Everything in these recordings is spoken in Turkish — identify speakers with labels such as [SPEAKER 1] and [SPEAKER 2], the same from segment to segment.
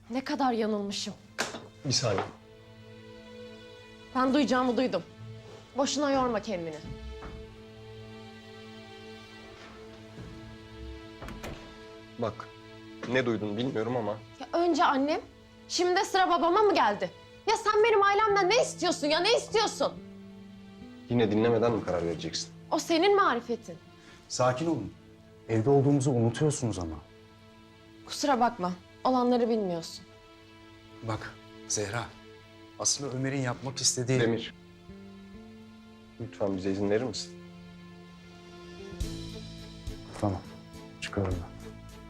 [SPEAKER 1] Ne kadar yanılmışım.
[SPEAKER 2] Bir saniye.
[SPEAKER 1] Ben duyacağımı duydum. Boşuna yorma kendini.
[SPEAKER 2] Bak, ne duydun bilmiyorum ama
[SPEAKER 1] Ya önce annem, şimdi de sıra babama mı geldi? Ya sen benim ailemden ne istiyorsun ya, ne istiyorsun?
[SPEAKER 2] yine dinlemeden mi karar vereceksin?
[SPEAKER 1] O senin marifetin.
[SPEAKER 3] Sakin olun. Evde olduğumuzu unutuyorsunuz ama.
[SPEAKER 1] Kusura bakma, olanları bilmiyorsun.
[SPEAKER 3] Bak Zehra, aslında Ömer'in yapmak istediği...
[SPEAKER 2] Demir, lütfen bize izin verir misin?
[SPEAKER 3] Tamam, çıkıyorum ben.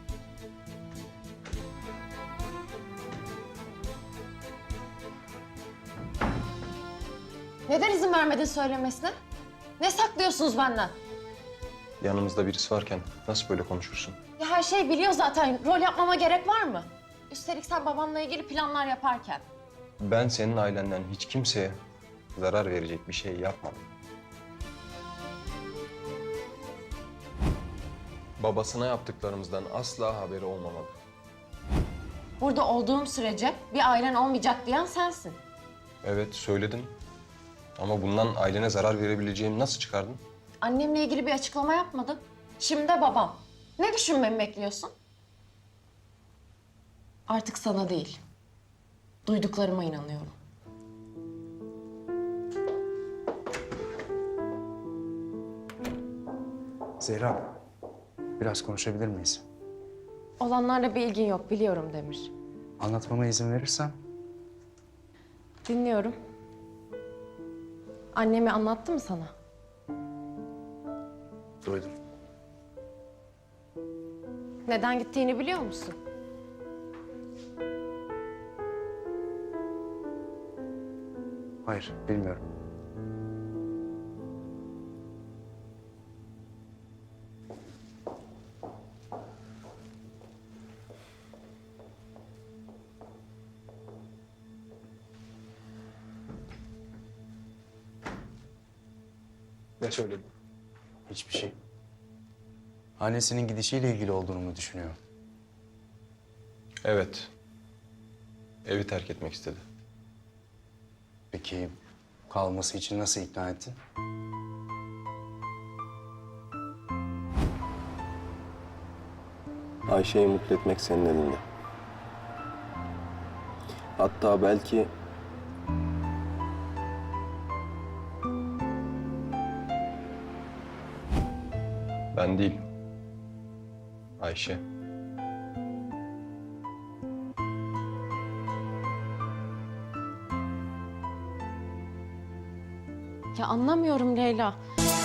[SPEAKER 1] Neden izin vermedin söylemesine? Ne saklıyorsunuz benden?
[SPEAKER 2] Yanımızda birisi varken nasıl böyle konuşursun?
[SPEAKER 1] Ya her şeyi biliyor zaten, rol yapmama gerek var mı? Üstelik sen babamla ilgili planlar yaparken.
[SPEAKER 2] Ben senin ailenden hiç kimseye zarar verecek bir şey yapmadım. Babasına yaptıklarımızdan asla haberi olmamalı.
[SPEAKER 1] Burada olduğum sürece bir ailen olmayacak diyen sensin.
[SPEAKER 2] Evet, söyledin. Ama bundan ailene zarar verebileceğimi nasıl çıkardın?
[SPEAKER 1] Annemle ilgili bir açıklama yapmadım. Şimdi de babam. Ne düşünmemi bekliyorsun? Artık sana değil, duyduklarıma inanıyorum.
[SPEAKER 3] Zehra, biraz konuşabilir miyiz?
[SPEAKER 1] Olanlarla bir ilgin yok, biliyorum Demir.
[SPEAKER 3] Anlatmama izin verirsen.
[SPEAKER 1] Dinliyorum. Annemi anlattı mı sana?
[SPEAKER 3] Duydum.
[SPEAKER 1] Neden gittiğini biliyor musun?
[SPEAKER 3] Hayır, bilmiyorum.
[SPEAKER 2] Ne söyledin?
[SPEAKER 3] Hiçbir şey. Annesinin gidişiyle ilgili olduğunu mu düşünüyor?
[SPEAKER 2] Evet. Evi terk etmek istedi.
[SPEAKER 3] Peki kalması için nasıl ikna ettin?
[SPEAKER 2] Ayşe'yi mutlu etmek senin elinde. Hatta belki... Ben değil. Ayşe.
[SPEAKER 1] Ya anlamıyorum Leyla.